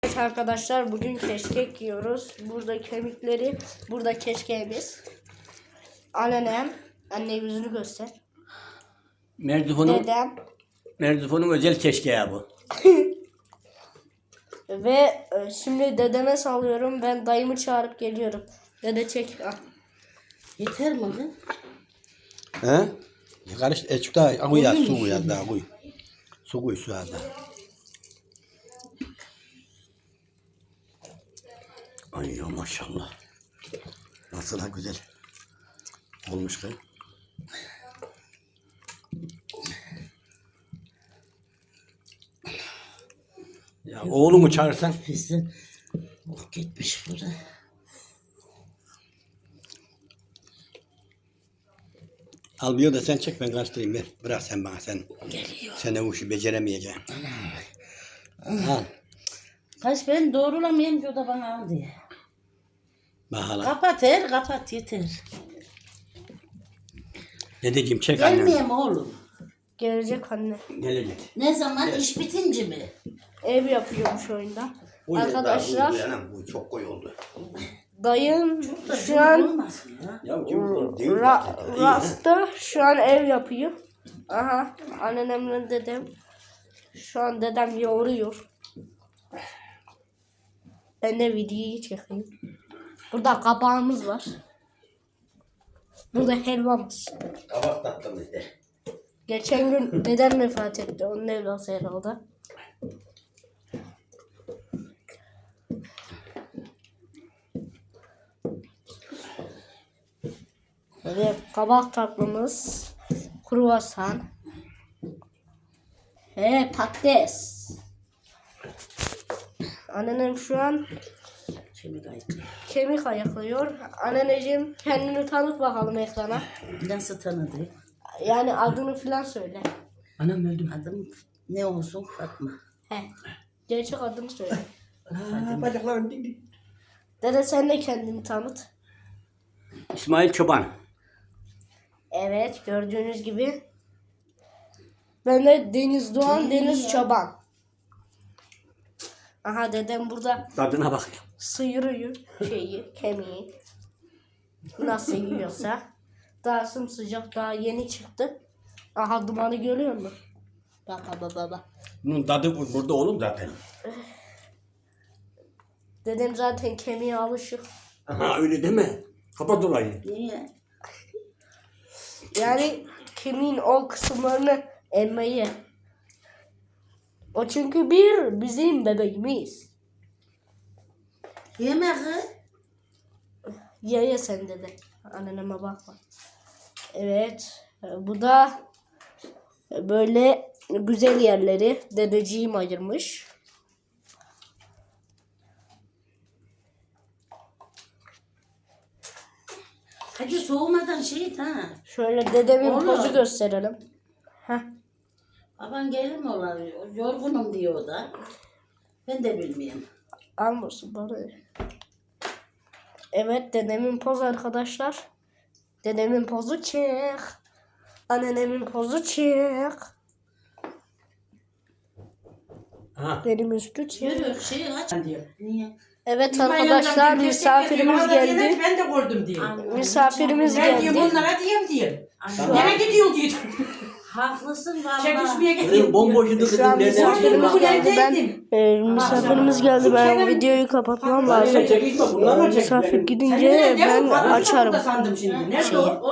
Evet arkadaşlar, bugün keşkek yiyoruz. Burada kemikleri, burada keşkeğimiz. Anneannem, anne yüzünü göster. Dedem. Merzifon'un özel keşkeği bu. Ve şimdi dedeme sallıyorum. Ben dayımı çağırıp geliyorum. Dede çek. Ah. Yeter mi lan? He? Karış, çok daha koy ya, su koy ya, daha koy. Su koy su az daha. Ay ya maşallah. Nasıl da güzel olmuş ki. Ya oğlumu çağırsan. Bizden oh gitmiş bu da. Al bir da sen çek, ben karıştırayım ver. Bırak sen bana, sen. Geliyor. Sen de bu işi beceremeyeceksin. Al. Kaç ben doğrulamayayım ki o da bana al diye. Bak hala. Kapat kapat yeter. Dedeciğim çek annemi. Gelmeyeyim oğlum. Gelecek anne. Gelecek. Ne zaman iş bitince mi? Ev yapıyormuş oyunda. Bu ya, Arkadaşlar, bu ya, bu çok koyu oldu. dayım Da şu an olmasın ya. Ya bu değil zaten. Rasta şu an ev yapıyor. Aha, anneannemle dedem. Şu an dedem yoğuruyor. Ben de videoyu çekeyim. Burada kabağımız var. Burada helvamız. Kabak tatlımız de. Geçen gün dedem vefat etti. Onun evlası herhalde. Böyle kabak tatlımız. Kruvasan. Patates. Anneannem şu an Kemik ayıklıyor. kemik ayıklıyor. Anneciğim, kendini tanıt bakalım ekrana. Nasıl tanıdı? Yani adını falan söyle. Anam öldüm. Adım ne olsun Fatma. He. Gerçek adını söyle. Bacaklarım dik dik. Dede, sen de kendini tanıt. İsmail Çoban. Evet, gördüğünüz gibi. Ben de Deniz Doğan, Deniz Çoban. Aha, dedem burada Tadına bak. sıyırıyor kemiği. Nasıl yiyorsa. Daha sımsıcak, daha yeni çıktı. Aha, dumanı görüyor musun? Bak baba. Bunun tadı burada oğlum zaten. Dedem zaten kemiğe alışık. Aha öyle deme. Kapat olayı. Niye? Yani kemiğin o kısımlarını emmeyi. O çünkü bizim bebeğimiz. Yemek. Ye sen de. Anneme bakma. Evet. Bu da böyle güzel yerleri dedeciğim ayırmış. Hadi soğumadan şey ha. Şöyle dedemin Oğlum. pozu gösterelim. Heh. Baban gelir mi ola? Yorgunum diyor o da. Ben de bilmiyorum. Almasın bana. Evet, dedemin pozu arkadaşlar. Dedemin pozu çek. Anneannemin pozu çek. Aha. Benim üstü çek. Yürü şey aç diyor. Niye? Evet arkadaşlar, misafirimiz geldi. Ben de gördüm diye. Misafirimiz Ben diyorum geldi. onlara diyeyim diye. Anne, Nereye gidiyor diye. haklısın Çekişmeye valla. gidiyor. Bomboşuydu Şu an kızım. Nereden misafirimiz çıktın? geldi. Misafirimiz geldi. Ben videoyu kapatmam lazım. Çekişme bunlar mı çekti? Misafir Sen gidince ne ben açarım. açarım. Sandım şimdi. Nerede şeyi. o?